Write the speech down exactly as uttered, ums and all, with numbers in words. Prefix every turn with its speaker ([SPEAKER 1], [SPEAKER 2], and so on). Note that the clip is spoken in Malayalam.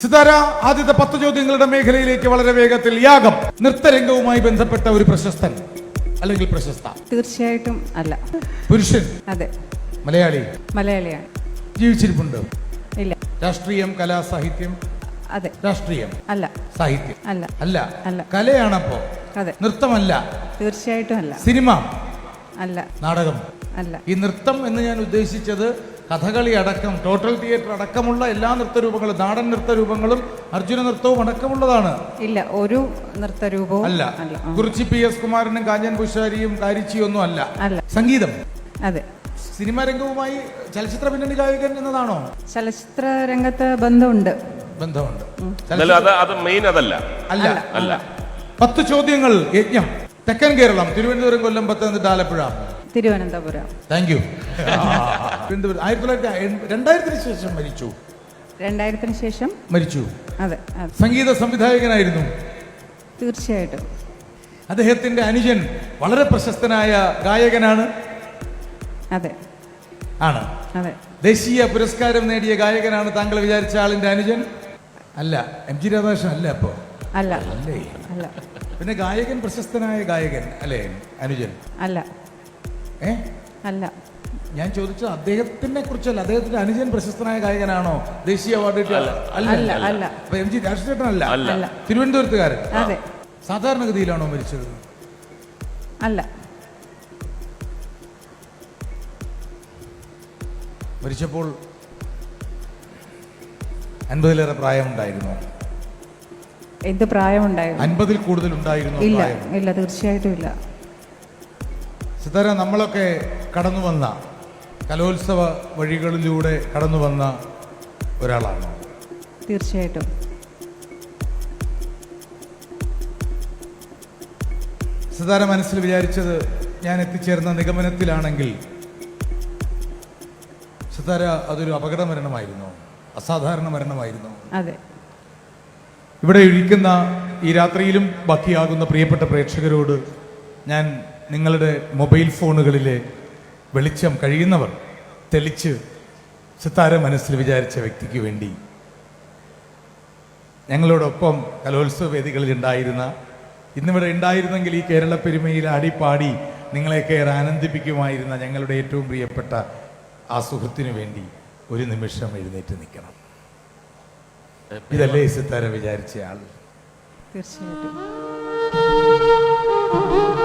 [SPEAKER 1] സിതാര, ആദ്യത്തെ പത്ത് ചോദ്യങ്ങളുടെ മേഖലയിലേക്ക് വളരെ വേഗത്തിൽ. യാഗം നൃത്തരംഗവുമായി ബന്ധപ്പെട്ട ഒരു പ്രശസ്തൻ അല്ലെങ്കിൽ പ്രശസ്ത?
[SPEAKER 2] തീർച്ചയായിട്ടും അല്ല.
[SPEAKER 1] പുരുഷൻ?
[SPEAKER 2] അതെ.
[SPEAKER 1] മലയാളി?
[SPEAKER 2] മലയാളിയാണ്.
[SPEAKER 1] ജീവിച്ചിരിപ്പുണ്ട്?
[SPEAKER 2] ഇല്ല.
[SPEAKER 1] രാഷ്ട്രീയം, കല, സാഹിത്യം?
[SPEAKER 2] അതെ.
[SPEAKER 1] രാഷ്ട്രീയം
[SPEAKER 2] അല്ല.
[SPEAKER 1] സാഹിത്യം
[SPEAKER 2] അല്ല.
[SPEAKER 1] അല്ല.
[SPEAKER 2] അല്ല.
[SPEAKER 1] കലയാണപ്പോ?
[SPEAKER 2] അതെ.
[SPEAKER 1] നൃത്തമല്ല?
[SPEAKER 2] തീർച്ചയായിട്ടും അല്ല.
[SPEAKER 1] സിനിമ?
[SPEAKER 2] അല്ല.
[SPEAKER 1] നാടകം?
[SPEAKER 2] അല്ല.
[SPEAKER 1] ഈ നൃത്തം എന്ന് ഞാൻ ഉദ്ദേശിച്ചത് കഥകളി അടക്കം, ടോട്ടൽ തിയേറ്റർ അടക്കമുള്ള എല്ലാ നൃത്തരൂപങ്ങളും, നാടൻ നൃത്തരൂപങ്ങളും അർജുന നൃത്തവും അടക്കമുള്ളതാണ്.
[SPEAKER 2] ഇല്ല, ഒരു നൃത്തരൂപവും
[SPEAKER 1] അല്ല.
[SPEAKER 2] അല്ല.
[SPEAKER 1] കുറിച്ചി പി എസ് കുമാരനും കാഞ്ചൻ പുഷാരിയും കാരിച്ചിയും ഒന്നും അല്ല.
[SPEAKER 2] അല്ല.
[SPEAKER 1] സംഗീതം?
[SPEAKER 2] അതെ.
[SPEAKER 1] സിനിമാ രംഗവുമായി ചലച്ചിത്ര പിന്നണി ഗായകൻ എന്നതാണോ?
[SPEAKER 2] ചലച്ചിത്ര രംഗത്ത് ബന്ധമുണ്ട്.
[SPEAKER 1] ബന്ധമുണ്ട്.
[SPEAKER 3] അതല്ല.
[SPEAKER 1] അല്ല. അല്ല. പത്ത് ചോദ്യങ്ങൾ. യജ്ഞം. തെക്കൻ കേരളം, തിരുവനന്തപുരം, കൊല്ലം, പത്തനംതിട്ട, ആലപ്പുഴ?
[SPEAKER 2] തിരുവനന്തപുരം.
[SPEAKER 1] Thank you. ആയിരത്തി തൊള്ളായിരത്തി രണ്ടായിരത്തിന് ശേഷം മരിച്ചു.
[SPEAKER 2] രണ്ടായിരത്തിന് ശേഷം
[SPEAKER 1] മരിച്ചു.
[SPEAKER 2] അതെ.
[SPEAKER 1] സംഗീത സംവിധായകനായിരുന്നു.
[SPEAKER 2] തീർച്ചയായിട്ടും.
[SPEAKER 1] അദ്ദേഹത്തിന്റെ അനുജൻ വളരെ പ്രശസ്തനായ ഗായകനാണ്.
[SPEAKER 2] അതെ.
[SPEAKER 1] ആണ്.
[SPEAKER 2] അതെ.
[SPEAKER 1] ദേശീയ പുരസ്കാരം നേടിയ ഗായകനാണ് താങ്കൾ വിചാരിച്ച ആളിന്റെ അനുജൻ? അല്ല. എം ജി രാധാകൃഷ്ണൻ അല്ല. അപ്പോ
[SPEAKER 2] അല്ല.
[SPEAKER 1] അല്ലേ?
[SPEAKER 2] അല്ല.
[SPEAKER 1] പിന്നെ ഗായകൻ, പ്രശസ്തനായ ഗായകൻ അല്ലേ അനുജൻ?
[SPEAKER 2] അല്ല.
[SPEAKER 1] ഏ
[SPEAKER 2] അല്ല.
[SPEAKER 1] ഞാൻ ചോദിച്ചത് അദ്ദേഹത്തിനെ കുറിച്ചല്ല. അദ്ദേഹത്തിന്റെ അനുജൻ പ്രശസ്തനായ ഗായകനാണോ? ദേശീയ അവാർഡ്?
[SPEAKER 2] അല്ല. അല്ല.
[SPEAKER 1] അപ്പൊ എം ജി രാജശേഖരൻ അല്ല.
[SPEAKER 2] അല്ല.
[SPEAKER 1] തിരുവനന്തപുരത്തുകാരൻ?
[SPEAKER 2] അതെ.
[SPEAKER 1] സാധാരണഗതിയിലാണോ മരിച്ചത്?
[SPEAKER 2] അല്ല.
[SPEAKER 1] മരിച്ചപ്പോൾ അൻപതിലേറെ പ്രായമുണ്ടായിരുന്നു?
[SPEAKER 2] എന്ത് പ്രായമുണ്ടായിരുന്നു?
[SPEAKER 1] അൻപതിൽ കൂടുതൽ ഉണ്ടായിരുന്നു?
[SPEAKER 2] ഇല്ല. ഇല്ല, തീർച്ചയായിട്ടും ഇല്ല.
[SPEAKER 1] സിതാര, നമ്മളൊക്കെ കടന്നു വന്ന കലോത്സവ വഴികളിലൂടെ കടന്നു വന്ന ഒരാളാണ്.
[SPEAKER 2] തീർച്ചയായിട്ടും.
[SPEAKER 1] സിതാര മനസ്സിൽ വിചാരിച്ചത് ഞാൻ എത്തിച്ചേർന്ന നിഗമനത്തിലാണെങ്കിൽ സിതാര അതൊരു അപകട മരണമായിരുന്നു, അസാധാരണ മരണമായിരുന്നു.
[SPEAKER 2] അതെ.
[SPEAKER 1] ഇവിടെ ഇരിക്കുന്ന ഈ രാത്രിയിലും ബാക്കിയാകുന്ന പ്രിയപ്പെട്ട പ്രേക്ഷകരോട് ഞാൻ നിങ്ങളുടെ മൊബൈൽ ഫോണുകളിലെ വെളിച്ചം കഴിയുന്നവർ തെളിച്ച് സിതാര മനസ്സിൽ വിചാരിച്ച വ്യക്തിക്ക് വേണ്ടി ഞങ്ങളോടൊപ്പം കലോത്സവ വേദികളിൽ ഉണ്ടായിരുന്ന, ഇന്നിവിടെ ഉണ്ടായിരുന്നെങ്കിൽ ഈ കേരള പെരുമയിൽ ആടിപ്പാടി നിങ്ങളെയൊക്കെ ഏറെ ആനന്ദിപ്പിക്കുമായിരുന്ന ഞങ്ങളുടെ ഏറ്റവും പ്രിയപ്പെട്ട ആ സുഹൃത്തിനു വേണ്ടി ഒരു നിമിഷം എഴുന്നേറ്റ് നിൽക്കണം. ഇതല്ലേ സിതാര വിചാരിച്ച ആൾ?
[SPEAKER 2] തീർച്ചയായിട്ടും.